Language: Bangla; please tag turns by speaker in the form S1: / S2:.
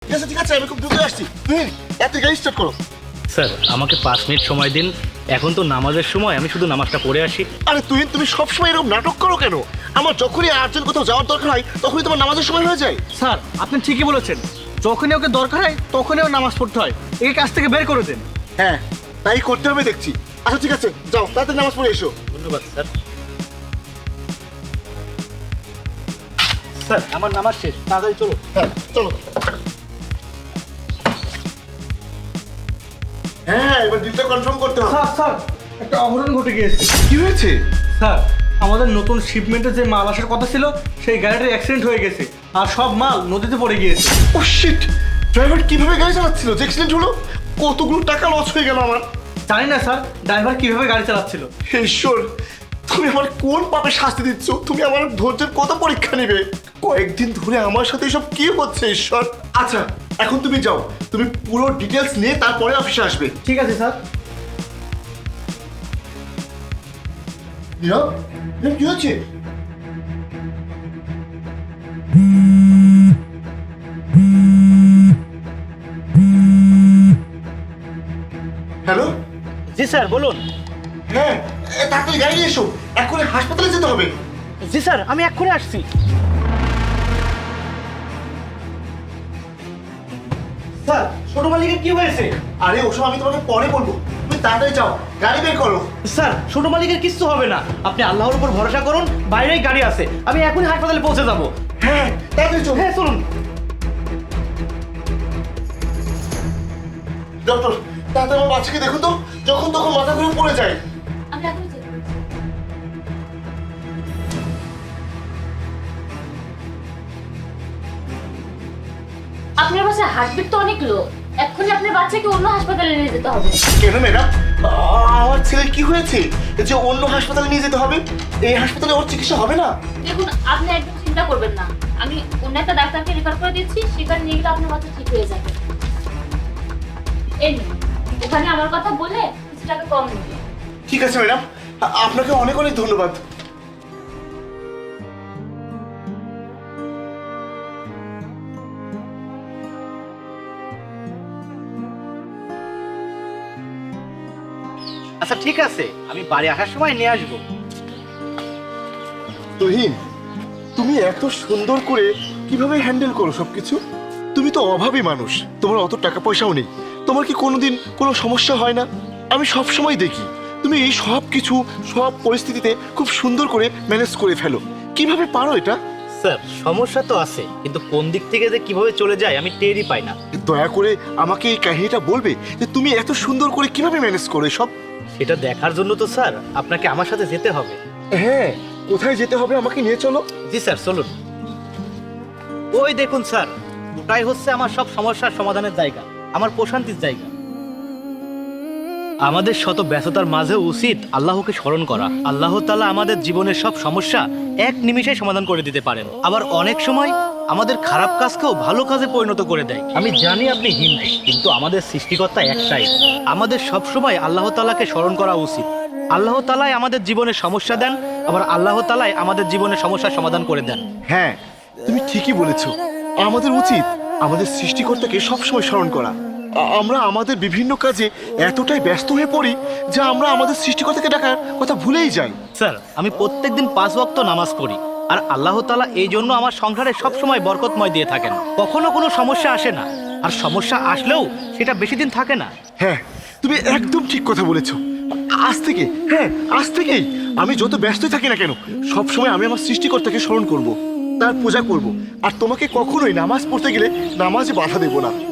S1: ঠিক আছে আমি খুব দ্রুত আসছি। তুই এত গাড়ি স্টার্ট করো।
S2: স্যার আমাকে 5 মিনিট সময় দিন, এখন তো নামাজের সময়, আমি শুধু নামাজটা পড়ে আসি।
S1: আরে তুমি সবসময় এরকম নাটক করো কেন? আমার যখনই আর্জেন্ট কোথাও যাওয়ার দরকার হয় তখনই তোমার নামাজের সময় হয়ে যায়।
S3: স্যার আপনি ঠিকই বলেছেন, যখনই ওকে দরকার হয় তখনই ওর নামাজ পড়তে হয়। একে কাছ থেকে বের করে দেন।
S1: হ্যাঁ তাই করতে হবে দেখছি। আচ্ছা ঠিক আছে, যাও তাড়াতাড়ি নামাজ পড়ে এসো।
S2: ধন্যবাদ স্যার। স্যার আমার নামাজ শেষ, তাড়াতাড়ি চলো।
S1: হ্যাঁ চলো। হ্যাঁ এবার ডিলটা কনফার্ম করতে হবে।
S3: স্যার স্যার একটা অঘটন ঘটে গিয়েছে।
S1: কি হয়েছে?
S3: স্যার আমাদের নতুন শিপমেন্টের যে মাল আসার কথা ছিল সেই গাড়িটার অ্যাক্সিডেন্ট হয়ে গেছে আর সব মাল নদীতে পড়ে গিয়েছে।
S1: ও শিট, ড্রাইভার কিভাবে গাড়ি চালাচ্ছিল যে অ্যাক্সিডেন্ট হলো? কতগুলো টাকা লস হয়ে গেল আমার।
S3: জানি না স্যার ড্রাইভার কিভাবে গাড়ি চালাচ্ছিল।
S1: হে ঈশ্বর, তুমি আমার কোন পাপে শাস্তি দিচ্ছ? তুমি আমার ধৈর্যের কত পরীক্ষা নেবে? কয়েকদিন ধরে আমার সাথে এসব কি হচ্ছে ঈশ্বর? আচ্ছা এখন তুমি যাও, তুমি পুরো ডিটেলস নিয়ে তারপরে অফিসে আসবে।
S3: ঠিক আছে স্যার।
S1: নীরব, নীরব, কি হচ্ছে? হ্যালো।
S2: জি স্যার বলুন।
S1: হ্যাঁ তাড়াতাড়ি গাড়ি নিয়ে এসো, এক্ষুনি হাসপাতালে যেতে হবে।
S2: জি স্যার আমি এক্ষুনি আসছি।
S3: স্যার ছোট মালিকের কি হয়েছে?
S1: আরে ওসব আমি তোমাকে পরে বলবো, তুমি তাড়াতাড়ি যাও, গাড়ি বের করো।
S3: স্যার ছোট মালিকের কিচ্ছু হবে না, আপনি আল্লাহর উপর ভরসা করুন, বাইরেই গাড়ি আছে, আমি এখনই হাসপাতালে পৌঁছে যাবো।
S1: হ্যাঁ তাড়াতাড়ি চলো।
S3: হ্যাঁ চলুন।
S1: ডক্টর তাড়াতাড়ি আমার বাচ্চাকে দেখুন তো, যখন তখন মাথা ঘুরে পড়ে যায়।
S4: আমি এখনই চেক করছি। আপনার বাচ্চার হার্টবিট তো অনেক লো, এক্ষুনি আপনার বাচ্চাকে অন্য হাসপাতালে নিয়ে যেতে হবে।
S1: কেন ম্যাডাম, আমার ছেলের কি হয়েছে যে অন্য হাসপাতালে নিয়ে যেতে হবে? এই হাসপাতালে ওর চিকিৎসা হবে না?
S4: দেখুন আপনি একদম চিন্তা করবেন না, আমি অন্য একটা ডাক্তারকে রেফার করে দিচ্ছি, সেখানে নিয়ে গেলে আপনার বাচ্চা ঠিক হয়ে যাবে। এই নিন, ওখানে আমার কথা বলে কিছু টাকা কম নেবে।
S1: ঠিক আছে ম্যাডাম, আপনাকে অনেক অনেক ধন্যবাদ।
S2: আচ্ছা ঠিক আছে, আমি বাড়ি আসার সময় নিয়ে আসবো।
S1: তুহিন, তুমি এত সুন্দর করে কিভাবে হ্যান্ডেল করো সবকিছু? তুমি তো অভাবী মানুষ, তোমার অত টাকা পয়সাও নেই, তোমার কি কোনোদিন কোনো সমস্যা হয় না? আমি সব সময় দেখি তুমি এই সব কিছু সব পরিস্থিতিতে খুব সুন্দর করে ম্যানেজ করে ফেলো। কিভাবে পারো এটা?
S2: স্যার সমস্যা তো আছে, কিন্তু কোন দিক থেকে যে কিভাবে চলে যায় আমি টেরই পাই না।
S1: দয়া করে আমাকে এই কাহিনীটা বলবে যে তুমি এত সুন্দর করে কিভাবে ম্যানেজ করো সব?
S2: সেটা দেখার জন্য তো স্যার আপনাকে আমার সাথে যেতে হবে।
S1: হ্যাঁ, কোথায় যেতে হবে আমাকে নিয়ে চলো।
S2: জি স্যার চলুন। ওই দেখুন স্যার, ওটাই হচ্ছে আমার সব সমস্যার সমাধানের জায়গা, আমার প্রশান্তির জায়গা। আমাদের শত ব্যস্ততার মাঝে উচিত আল্লাহকে স্মরণ করা। আল্লাহ তাআলা আমাদের জীবনের সব সমস্যা এক নিমিষে সমাধান করে দিতে পারেন, আবার অনেক সময় আমাদের খারাপ কাজকেও ভালো কাজে পরিণত করে দেয়। আমি জানি আপনি হিন্দু, কিন্তু আমাদের সৃষ্টিকর্তা একটাই। আমাদের সব সময় আল্লাহ তাআলাকে স্মরণ করা উচিত। আল্লাহ তাআলাই আমাদের জীবনে সমস্যা দেন, আবার আল্লাহ তাআলাই আমাদের জীবনের সমস্যার সমাধান করে দেন।
S1: হ্যাঁ তুমি ঠিকই বলেছো, আমাদের উচিত আমাদের সৃষ্টিকর্তাকে সবসময় স্মরণ করা। আমরা আমাদের বিভিন্ন কাজে এতটাই ব্যস্ত হয়ে পড়ি যে আমরা আমাদের সৃষ্টিকর্তাকে ডাকার কথা ভুলেই যাই।
S2: স্যার আমি প্রত্যেকদিন 5 ওয়াক্ত নামাজ পড়ি, আর আল্লাহ তাআলা এই জন্য আমার সংসারে সবসময় বরকতময় দিয়ে থাকেন। কখনো কোনো সমস্যা আসে না, আর সমস্যা আসলেও সেটা বেশি দিন থাকে না।
S1: হ্যাঁ তুমি একদম ঠিক কথা বলেছো। আজ থেকে, হ্যাঁ আজ থেকেই আমি যত ব্যস্তই থাকি না কেন, সবসময় আমি আমার সৃষ্টিকর্তাকে স্মরণ করব, তার পূজা করব, আর তোমাকে কখনোই নামাজ পড়তে গেলে নামাজে বাধা দেব না।